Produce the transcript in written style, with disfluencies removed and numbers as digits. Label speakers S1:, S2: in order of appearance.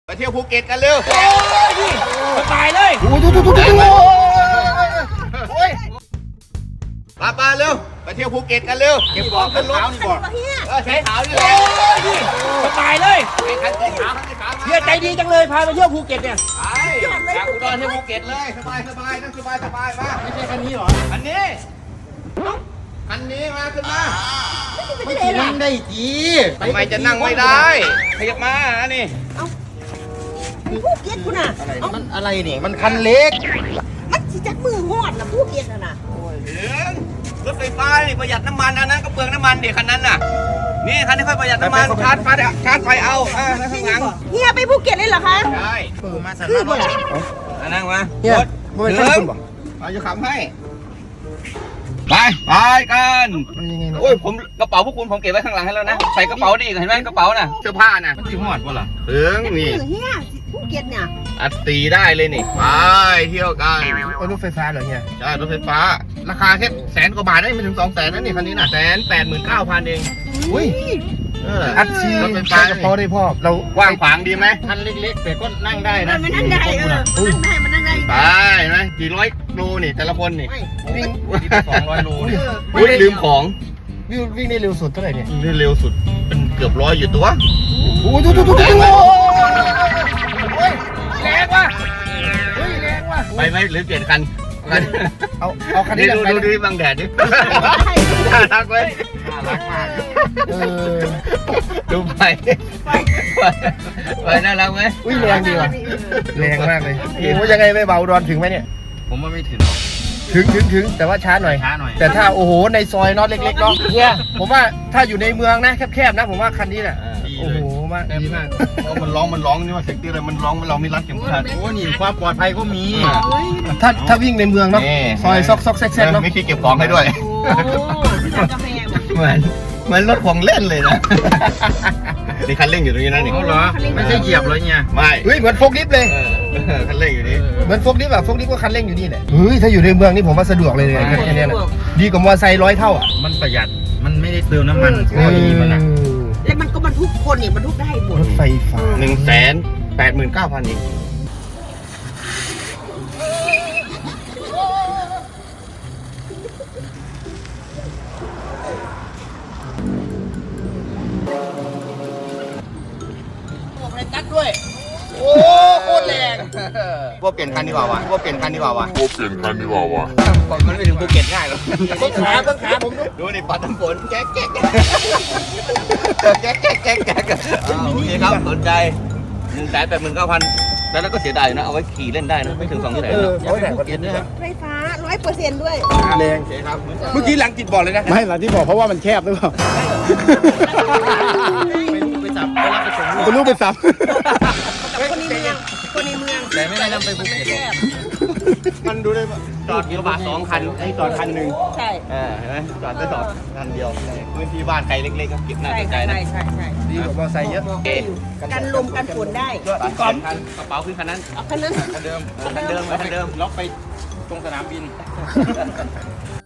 S1: ไปเที่ยวภูเก็ตกันเร็ว
S2: ตายเลย
S1: ปาเร็วไปเที่ยวภูเก็ตกันเร็วเก็บของขึ้นรถนี่บอกใช้ขาวนี่แหละ
S2: ตายเลย
S1: คันสีขาว
S2: เฮียใจดีจังเลยพาไปเที่ยวภูเก็ตเนี่ย
S1: จากอุดรเที่ยวภูเก็ตเลยสบายนั่งสบายมา
S2: ไม่ใช่คันนี้หรอ
S1: คันนี้มาขึ้นมา
S2: ไม่นั่งได้จี
S1: ทำไมจะนั่งไม่ได้ขยับมานี่
S3: ภูเก็ตคุณน่ะ
S2: มันอะไรนี่มันคันเล็ก
S3: มันสิจักมือหอดนะภูเก็ตน่ะ
S1: รถไฟฟ้านี่ประหยัดน้ำมันอันนั้นก็เปลืองน้ำมันเดี๋ยวคันนั้นน่ะนี่คันนี้ค่อยประหยัดน้ำมันชาร์จไฟเอาข้างหลัง
S3: เฮียไปภูเก็ตเลยเหรอคะ
S1: ใช่
S2: มาสั่
S3: คือบ่ล่ะ
S1: นั่งมา
S2: เฮียบ่เป็นคันคุณบ่
S1: เอาจะขับให้ไปกันโอ้ยผมกระเป๋าพวกคุณผมเก็บไว้ข้างหลังให้แล้วนะใส่กระเป๋าดิเห็นไหมกระเป๋าน่ะเสื้อผ้าน่ะ
S2: มันสีหอดป่ะล่ะ
S1: นี่
S3: เฮียภูเก็ตเนี่ย
S1: อัดตีได้เลยนี่ไปเที่ยวกัน
S2: รถไฟฟ้าเหรอเฮีย
S1: ใช่รถไฟฟ้าราคาแค่100,000 กว่าบาทได้ไม่ถึง200,000นั่นนี่คันนี้น่ะ189,000เอง
S2: อุ้ยอัดชีรถไฟฟ้าพอได้พ่อเรา
S1: กว้างขวางดีไหม
S2: คันเล็กๆแต่ก็นั่งได้นะ
S3: มันนั่งได้มันนั่งได้
S1: ไปไหมกี่ร้อยโลนี่แต่ละคนนี่
S2: วิ่ง
S1: 200 โลนี่ลืมของ
S2: วิ่งได้เร็วสุดเท่าไหร่เนี่ย
S1: ได้เร็วสุดเป็นเกือบ100อยู่ตัว
S2: โอ้ดูแรงว่ะแรงว่ะ
S1: ไปไหมหรือเปลี่ยนคัน
S2: เอาคันนี้
S1: ดูบังแดดดิน่ารักเลย
S2: น่ารักมาก
S1: ดูไปน่ารักไหม
S2: อุ้ยแรงดีว่ะแรงมากเลยว่ายังไงไม่เบาดอนถึงไหมเนี่ย
S1: ผมว่าไม่ถึง
S2: ถึงแต่ว่าช้าหน่อยแต่ถ้าโอ้โหในซอยน็อตเล็กๆเนาะเนี่ยผมว่าถ้าอยู่ในเมืองนะแคบๆนะผมว่าคันนี้แหละโอ้โหมากดีมาก
S1: เพราะมันร้องนี่ว่าเสียงตีเลยมันร้องเราไม่รัดเข็มขัด
S2: โอ้นี่ความปลอดภัยก็มีถ้าวิ่งในเมืองเนาะซอยซอกแซกเนาะ
S1: ไม่คิดเก็บของให้ด้วยเหมือนรถของเล่นเลยนะนี่คันเร่งอยู่ตรงนี้นะนี่
S2: เหรอไม่ใช่เหยียบเลยเนี่ย
S1: ไม่
S2: เฮ้ยเหมือนโฟกลิฟต์เลย
S1: คันเร่งอยู่นี่
S2: เหมือนโฟกลิฟต์อะโฟกลิฟต์ก็คันเร่งอยู่นี่แหละเฮ้ยถ้าอยู่ในเมืองนี่ผมว่าสะดวกเลยแค่นี้แหละดีกว่ามอเตอร์ไซค์100 เท่าอ่ะ
S4: มันประหยัดมันไม่ได้เติมน้ำมันข้อดีมันนะ
S3: แล้วมันก็บรรทุกคนเนี่ยบรรทุกได้หมด
S2: รถไฟฟ้า
S1: 189,000เอง
S2: ตัดด้วยโอ้โคตรแรง
S1: พวกเปลี่ยนคันดีกว่าวะมันไม่ถึงภูเก็ตง่ายหรอก
S2: ต้นขาผม
S1: ดูนี่ปัดน้ำฝนแก๊กโอเคครับสนใจ189,000แล้วก็เสียดายนะเอาไว้ขี่เล่นได้นะไม่ถึง200,000
S2: เอาไว้แต่ภูเก็ตนะครับ
S3: ไฟฟ้า100%ด้วย
S2: แรง
S1: ครับ
S2: เมื่อกี้หลังติดบอกเลยนะไม่หลังที่บอกเพราะว่ามันแคบหรือเปล่าไปลูกไปสับ
S3: คนในเมือง
S2: แต่ไม่ได้นำไปภูเก็ต
S1: มันดูได้จอดกระบะ2 คันไอ้จอดคันนึง
S3: ใช่
S1: เห็นไหมจอดได้2 คันเดียวพื้นที่บ้านใครเล็กๆก็เก็บน่าสนใจนะ
S3: ใช่
S2: ดีกว่ามอเตอร์ไซค์เยอะ
S3: กันลมกันฝนได้
S1: กระเป๋าขึ้นคันนั้น
S3: คันนั้น
S1: คันเดิมล็อกไปตรงสนามบิน